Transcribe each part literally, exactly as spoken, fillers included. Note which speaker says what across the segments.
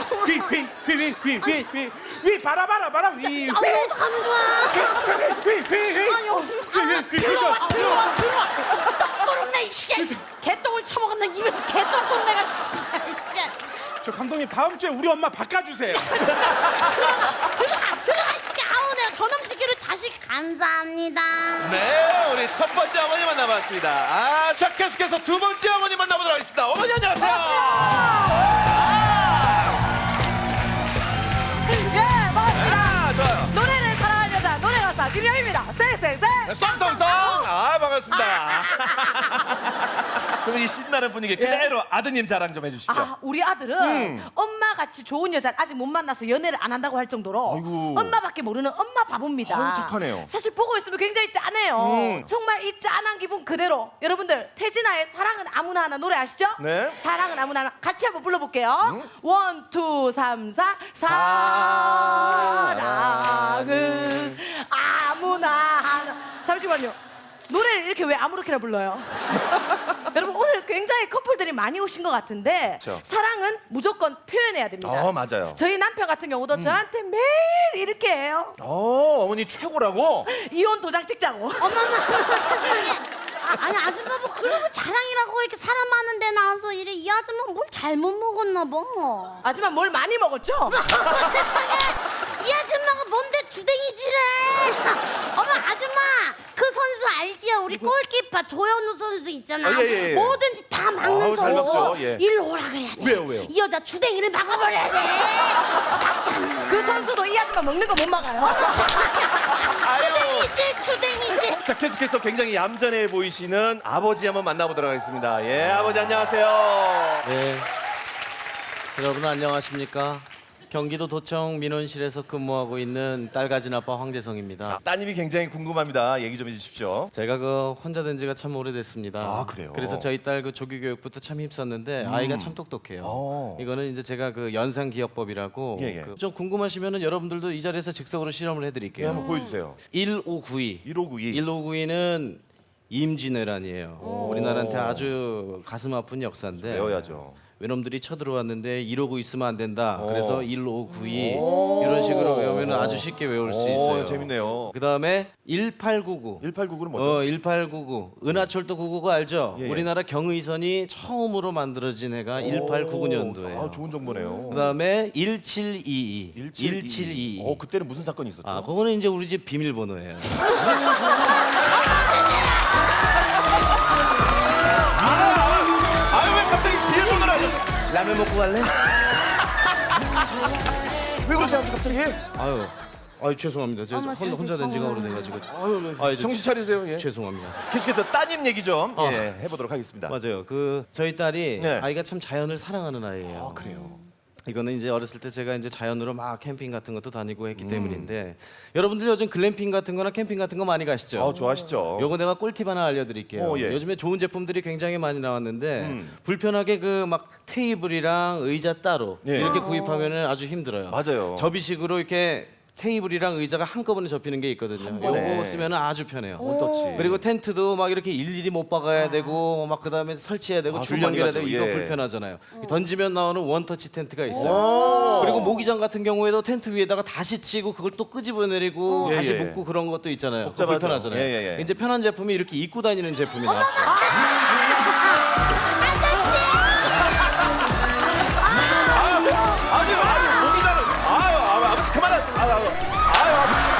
Speaker 1: 휘휘휘휘휘휘휘휘 봐라 봐라 봐라 휘휘
Speaker 2: 아, 이거 어떡하면 좋아?
Speaker 1: 휘휘휘휘
Speaker 2: 아니, 어, 아, 들어와, 들어와, 들어와. 떡구름내 이 시계. 개똥을 처먹었나 입에서 개떡구름내가 진짜. 이게.
Speaker 1: 저 감독님 다음 주에 우리 엄마 바꿔주세요.
Speaker 2: 들어가, 들어가 이 시계. 아우 내가 저놈 시계를 다시 감사합니다.
Speaker 3: 네, 우리 첫 번째 어머니 만나봤습니다. 아, 자, 계속해서 두 번째 어머니 만나보도록 하겠습니다. 어머니 안녕하세요.
Speaker 4: 예, 반갑습니다.
Speaker 3: 아, 좋아요.
Speaker 4: 노래를 사랑하는 여자 노래 가사 김영입니다. 쌩쌩쌩.
Speaker 3: 썽썽썽. 아, 반갑습니다. 그럼 이 신나는 분위기 그대로 아드님 자랑 좀 해주십시오.
Speaker 4: 아, 우리 아들은 엄마 같이 좋은 여자 아직 못 만나서 연애를 안 한다고 할 정도로
Speaker 3: 아이고.
Speaker 4: 엄마밖에 모르는 엄마 바보입니다.
Speaker 3: 아유, 착하네요.
Speaker 4: 사실 보고 있으면 굉장히 짠해요.
Speaker 3: 음.
Speaker 4: 정말 이 짠한 기분 그대로. 여러분들 태진아의 사랑은 아무나 하나 노래 아시죠?
Speaker 3: 네.
Speaker 4: 사랑은 아무나 하나 같이 한번 불러볼게요. 원, 투, 삼, 사. 사랑은 아무나 하나. 잠시만요. 노래를 이렇게 왜 아무렇게나 불러요? 여러분 오늘 굉장히 커플들이 많이 오신 것 같은데
Speaker 3: 그렇죠.
Speaker 4: 사랑은 무조건 표현해야 됩니다.
Speaker 3: 어, 맞아요.
Speaker 4: 저희 남편 같은 경우도 저한테 매일 이렇게 해요.
Speaker 3: 어, 어머니 최고라고?
Speaker 4: 이혼 도장 찍자고.
Speaker 2: 어머나 세상에. 아, 아니 아줌마 뭐 그러고 자랑이라고 이렇게 사람 많은 데 나와서 이래 이 아줌마 뭘 잘못 먹었나 봐.
Speaker 4: 하지만 뭘 많이 먹었죠?
Speaker 2: 세상에 이 아줌마가 뭔데 주댕이질해. 어머 아줌마 그 선수 알지요? 우리 골키퍼 조현우 선수 있잖아.
Speaker 3: 아, 예, 예, 예.
Speaker 2: 뭐든지 다 막는
Speaker 3: 아우, 잘
Speaker 2: 선수.
Speaker 3: 막죠, 예.
Speaker 2: 일로 오라 그래야 돼.
Speaker 3: 왜요, 왜요?
Speaker 2: 이 여자 주댕이를 막아버려야 돼. 막잖아.
Speaker 4: 그 선수도 이 아줌마 먹는 거 못 막아요.
Speaker 2: 주댕이질 주댕이질.
Speaker 3: 자, 계속해서 굉장히 얌전해 보이시는 아버지 한번 만나보도록 하겠습니다. 예, 아버지 안녕하세요.
Speaker 5: 네. 여러분 안녕하십니까? 경기도 도청 민원실에서 근무하고 있는 딸 가진 아빠 황재성입니다.
Speaker 3: 따님이 굉장히 궁금합니다. 얘기 좀 해주십시오.
Speaker 5: 제가 그 혼자 된 지가 참 오래됐습니다.
Speaker 3: 아, 그래요?
Speaker 5: 그래서 저희 딸 그 조기 교육부터 참 힘썼는데 아이가 참 똑똑해요.
Speaker 3: 어.
Speaker 5: 이거는 이제 제가 그 연상 기억법이라고
Speaker 3: 예, 예.
Speaker 5: 그 좀 궁금하시면은 여러분들도 이 자리에서 즉석으로 실험을
Speaker 3: 예,
Speaker 5: 해드릴게요.
Speaker 3: 한번 보여주세요.
Speaker 5: 일오구이.
Speaker 3: 일오구이.
Speaker 5: 일오구이는 임진왜란이에요. 우리나라한테 아주 가슴 아픈 역사인데
Speaker 3: 외워야죠.
Speaker 5: 외놈들이 쳐들어왔는데 이러고 있으면 안 된다.
Speaker 3: 오.
Speaker 5: 그래서 일오구이 이런 식으로 외우면 아주 쉽게 외울 수
Speaker 3: 오,
Speaker 5: 있어요.
Speaker 3: 재밌네요.
Speaker 5: 그 다음에 일팔구구.
Speaker 3: 일팔구구는 뭐죠?
Speaker 5: 어, 일팔구구. 은하철도 구구구 알죠?
Speaker 3: 예, 예.
Speaker 5: 우리나라 경의선이 처음으로 만들어진 해가 일팔구구 년도예요.
Speaker 3: 아, 좋은 정보네요.
Speaker 5: 그 다음에 일칠이이.
Speaker 3: 일칠이이. 어, 그때는 무슨 사건이 있었죠?
Speaker 5: 아, 그거는 이제 우리 집 비밀번호예요.
Speaker 3: 아유, 왜 갑자기 비밀번호를 하죠?
Speaker 5: 라면 먹고 갈래?
Speaker 3: 왜 그러세요, 갑자기?
Speaker 5: 아유, 아유 죄송합니다. 제가
Speaker 4: 어머,
Speaker 5: 혼, 혼자 된 지가 오래돼가지고. 아유, 아유, 저-
Speaker 3: 정신 차리세요. 예.
Speaker 5: 죄송합니다.
Speaker 3: 계속해서 따님 얘기 좀
Speaker 5: 어.
Speaker 3: 예, 해보도록 하겠습니다.
Speaker 5: 맞아요. 그 저희 딸이
Speaker 3: 네.
Speaker 5: 아이가 참 자연을 사랑하는 아이예요.
Speaker 3: 아, 그래요?
Speaker 5: 이거는 이제 어렸을 때 제가 이제 자연으로 막 캠핑 같은 것도 다니고
Speaker 3: 음.
Speaker 5: 했기 때문인데 여러분들 요즘 글램핑 같은 거나 캠핑 같은 거 많이 가시죠?
Speaker 3: 아, 좋아하시죠?
Speaker 5: 요거 내가 꿀팁 하나 알려드릴게요.
Speaker 3: 어, 예.
Speaker 5: 요즘에 좋은 제품들이 굉장히 많이 나왔는데
Speaker 3: 음.
Speaker 5: 불편하게 그 막 테이블이랑 의자 따로
Speaker 3: 예.
Speaker 5: 이렇게 구입하면은 아주 힘들어요.
Speaker 3: 맞아요.
Speaker 5: 접이식으로 이렇게 테이블이랑 의자가 한꺼번에 접히는 게 있거든요.
Speaker 3: 번에.
Speaker 5: 요거 쓰면 아주 편해요.
Speaker 3: 원터치.
Speaker 5: 그리고 텐트도 막 이렇게 일일이 못 박아야 되고 막 그다음에 설치해야 되고
Speaker 3: 아,
Speaker 5: 줄
Speaker 3: 손 많이
Speaker 5: 연결해야 되고
Speaker 3: 가죠.
Speaker 5: 이거
Speaker 3: 예.
Speaker 5: 불편하잖아요. 던지면 나오는 원터치 텐트가 있어요. 그리고 모기장 같은 경우에도 텐트 위에다가 다시 치고 그걸 또 끄집어내리고
Speaker 3: 예,
Speaker 5: 다시
Speaker 3: 예.
Speaker 5: 묶고 그런 것도 있잖아요. 그거
Speaker 3: 복잡하죠.
Speaker 5: 불편하잖아요.
Speaker 3: 예, 예, 예.
Speaker 5: 이제 편한 제품이 이렇게 입고 다니는 제품이 나왔어요.
Speaker 3: 아니, 아니, 모기자는 아유, 아유, 아버지 그만하세요. 아유, 아유, 아유, 아버지.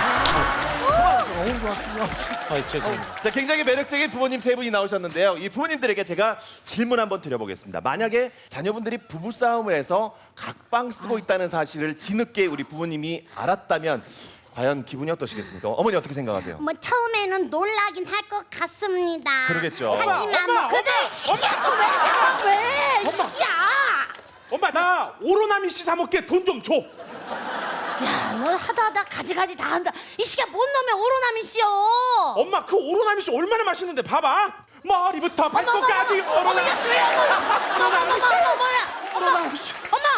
Speaker 5: 아, 죄송합니다.
Speaker 3: 자, 굉장히 매력적인 부모님 세 분이 나오셨는데요. 이 부모님들에게 제가 질문 한번 드려보겠습니다. 만약에 자녀분들이 부부 싸움을 해서 각방 쓰고 있다는 사실을 뒤늦게 우리 부모님이 알았다면 과연 기분이 어떠시겠습니까? 어머니 어떻게 생각하세요?
Speaker 2: 뭐 처음에는 놀라긴 할 것 같습니다.
Speaker 3: 그러겠죠.
Speaker 2: 하지만
Speaker 1: 엄마,
Speaker 2: 뭐 그들 시기야 왜? 왜? 이 시기야.
Speaker 1: 엄마 나 오로나미 씨 사 먹게 돈 좀 줘.
Speaker 2: 야, 너 하다 하다 가지가지 다 한다. 이 시기야 뭔 놈의 오로나미 씨여?
Speaker 1: 엄마 그 오로나미 씨 얼마나 맛있는데 봐봐. 머리부터 발끝까지 오로나미 씨. 오로나미 씨.
Speaker 2: 어머야,
Speaker 1: 오로나미 씨.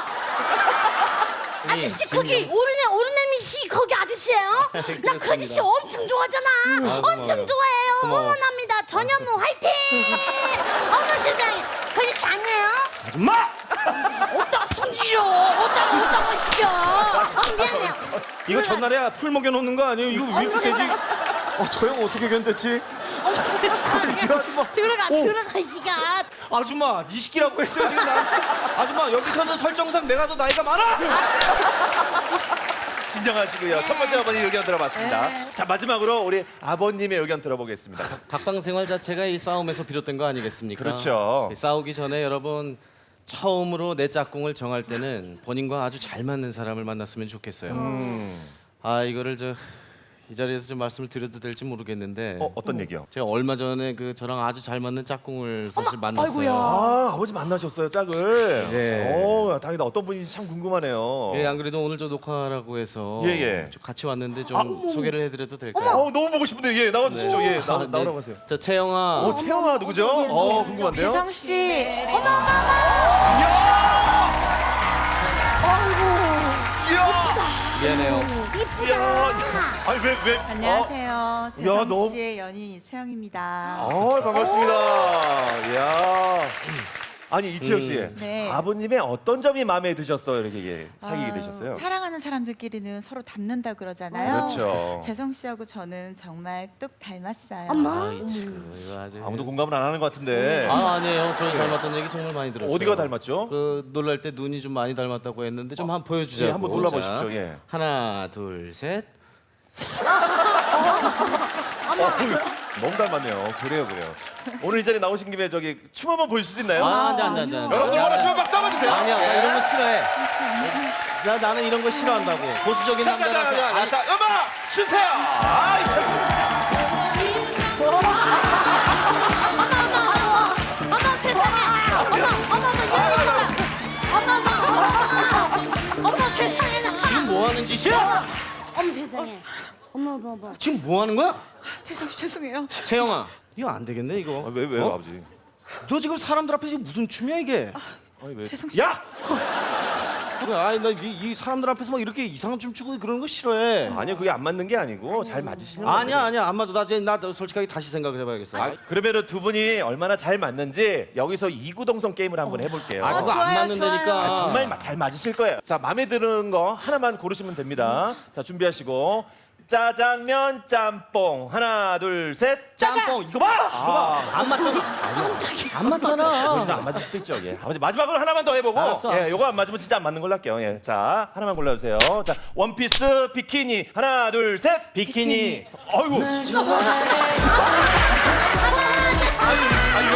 Speaker 2: 아저씨 거기 오르네 오르네미 씨 거기 아저씨예요? 나 그 아저씨 엄청 좋아하잖아. 엄청 좋아해요.
Speaker 5: 고마워.
Speaker 2: 응원합니다. 전현무 화이팅! 어머 세상에 그 아저씨 아니에요?
Speaker 1: 아줌마.
Speaker 2: 어따 손질려 어따 어따가 시켜. 어, 미안해요.
Speaker 5: 이거 전날에 풀 먹여 놓는 거 아니에요? 이거 왜 이렇게 세지? 어, 저 형 어떻게 견뎠지?
Speaker 2: 어머 세상에.
Speaker 5: 이 아줌마.
Speaker 2: 들어가
Speaker 5: 오.
Speaker 2: 들어가 이 시간.
Speaker 5: 아줌마, 이 시키라고 했어요 지금 나. 아줌마 여기서는 설정상 내가 더 나이가 많아.
Speaker 3: 진정하시고요. 첫 번째 어머니 의견 들어봤습니다. 자, 마지막으로 우리 아버님의 의견 들어보겠습니다.
Speaker 5: 각방 생활 자체가 이 싸움에서 비롯된 거 아니겠습니까?
Speaker 3: 그렇죠.
Speaker 5: 이 싸우기 전에 여러분 처음으로 내 짝꿍을 정할 때는 본인과 아주 잘 맞는 사람을 만났으면 좋겠어요. 아 이거를 저 이 자리에서 좀 말씀을 드려도 될지 모르겠는데
Speaker 3: 어, 어떤 얘기요?
Speaker 5: 제가 얼마 전에 그 저랑 아주 잘 맞는 짝꿍을 사실 만났어요.
Speaker 4: 아이고야.
Speaker 3: 아, 아버지 만나셨어요, 짝을.
Speaker 5: 네.
Speaker 3: 오, 당연히 어떤 분인지 참 궁금하네요.
Speaker 5: 예, 안 그래도 오늘 저 녹화라고 해서
Speaker 3: 예, 예.
Speaker 5: 좀 같이 왔는데 좀 소개를 해드려도 될까요?
Speaker 3: 어, 너무 보고 싶은데 예, 나와 주시죠. 예, 나,
Speaker 5: 아, 네.
Speaker 3: 나오라고 하세요.
Speaker 5: 저 채영아.
Speaker 3: 어, 채영아 누구죠? 어, 궁금한데요.
Speaker 6: 재성 씨,
Speaker 5: 미안해요.
Speaker 3: 이야, 아니 왜 왜?
Speaker 6: 안녕하세요.
Speaker 3: 야,
Speaker 6: 재성
Speaker 3: 너무-
Speaker 6: 씨의 연인 이채영입니다.
Speaker 3: 어, 반갑습니다. 이야. 아니 이치영 씨,
Speaker 6: 네.
Speaker 3: 아버님의 어떤 점이 마음에 드셨어요? 이렇게 예, 사귀게
Speaker 6: 아,
Speaker 3: 되셨어요?
Speaker 6: 사랑하는 사람들끼리는 서로 닮는다 그러잖아요.
Speaker 3: 그렇죠.
Speaker 6: 재성 씨하고 저는 정말 뚝 닮았어요.
Speaker 5: 아이 참 이거 아주.
Speaker 3: 아무도 공감을 안 하는 것 같은데.
Speaker 5: 아 아니에요. 저희 닮았다는 얘기 정말 많이 들었어요.
Speaker 3: 어디가 닮았죠?
Speaker 5: 그 놀랄 때 눈이 좀 많이 닮았다고 했는데 좀 한번 보여주자고.
Speaker 3: 예, 한번 놀라보십시오,
Speaker 5: 자,
Speaker 3: 예.
Speaker 5: 하나 둘 셋.
Speaker 3: 너무 닮았네요. 그래요, 그래요. 오늘 이 자리에 나오신 김에 저기 춤 한번 보여줄 수 있나요?
Speaker 5: 아 안돼 안돼 안돼.
Speaker 3: 여러분들 원하시면 박수 한번 주세요.
Speaker 5: 아니야 나 이런 거 싫어해. 나 나는 이런 거 싫어한다고. 보수적인
Speaker 3: 자, 자, 자,
Speaker 5: 남자라서.
Speaker 3: 자,
Speaker 5: 아니,
Speaker 3: 자, 음악 주세요. 아, 이철 씨.
Speaker 2: 어머 세상에. 어머 어머 어머 어머 어머 어머 어머 세상에.
Speaker 5: 하는 짓이야?
Speaker 2: 어머 세상에. 어머 어머 어머.
Speaker 5: 지금 뭐 하는 거야?
Speaker 6: 죄송 죄송해요.
Speaker 5: 채영아, 이거 안 되겠네 이거.
Speaker 3: 아, 왜 왜요
Speaker 5: 어?
Speaker 3: 아버지?
Speaker 5: 너 지금 사람들 앞에서 이게 무슨 춤이야 이게?
Speaker 3: 아니 왜?
Speaker 6: 죄송
Speaker 3: 야!
Speaker 5: 아니 나이 이 사람들 앞에서 막 이렇게 이상한 춤 추고 그러는 거 싫어해.
Speaker 3: 아니요 그게 안 맞는 게 아니고 잘 맞으시는 거예요.
Speaker 5: 아니야 아니야 안 맞아. 나 이제 나 솔직하게 다시 생각을 해봐야겠어.
Speaker 3: 아, 그러면은 두 분이 얼마나 잘 맞는지 여기서 이구동성 게임을 한번 해볼게요.
Speaker 5: 아, 그거 안
Speaker 6: 좋아요,
Speaker 5: 맞는다니까.
Speaker 6: 좋아요.
Speaker 3: 아, 정말 마- 잘 맞으실 거예요. 자, 마음에 드는 거 하나만 고르시면 됩니다. 자, 준비하시고 짜장면 짬뽕 하나 둘 셋.
Speaker 5: 짬뽕 이거 봐. 이거 봐. 안 맞잖아. 안 맞잖아.
Speaker 3: 진짜 안 맞을 수도 있죠. 예. 아버지 마지막으로 하나만 더 해보고
Speaker 5: 알았어,
Speaker 3: 예,
Speaker 5: 알았어.
Speaker 3: 요거 안 맞으면 진짜 안 맞는 걸로 할게요. 예. 자, 하나만 골라주세요. 자, 원피스 비키니 하나 둘 셋.
Speaker 5: 비키니.
Speaker 3: 아이고.